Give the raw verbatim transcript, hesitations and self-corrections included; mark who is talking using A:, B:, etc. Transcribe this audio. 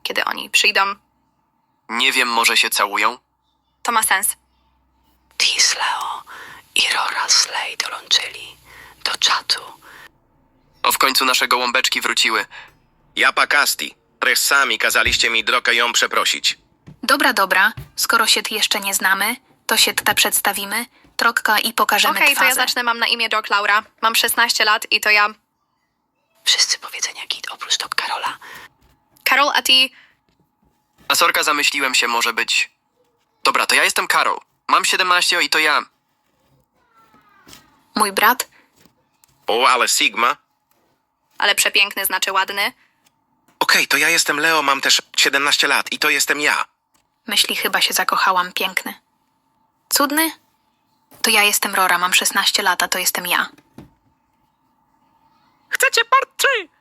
A: kiedy oni przyjdą.
B: Nie wiem, może się całują?
A: To ma sens.
C: Tis, Leo i Rora Slay dołączyli do czatu.
B: O, w końcu nasze gołąbeczki wróciły.
D: Japa Kasti, pres sami kazaliście mi droga ją przeprosić.
E: Dobra, dobra. Skoro się ty jeszcze nie znamy, to się te przedstawimy, trokka i pokażemy
A: Okej, to
E: twazę.
A: ja zacznę. Mam na imię Doc Laura. Mam szesnaście lat i to ja.
C: Wszyscy powiedzenia git oprócz Doc Karola.
A: Karol, a ty...
B: A sorka, zamyśliłem się, może być... Dobra, to ja jestem Karol. Mam siedemnaście i to ja.
E: Mój brat?
D: O, ale Sigma.
A: Ale przepiękny znaczy ładny.
D: Okej, to ja jestem Leo, mam też siedemnaście lat i to jestem ja.
E: Myśli, chyba się zakochałam, piękny. Cudny? To ja jestem Rora, mam szesnaście lat, a to jestem ja.
F: Chcecie part trzy?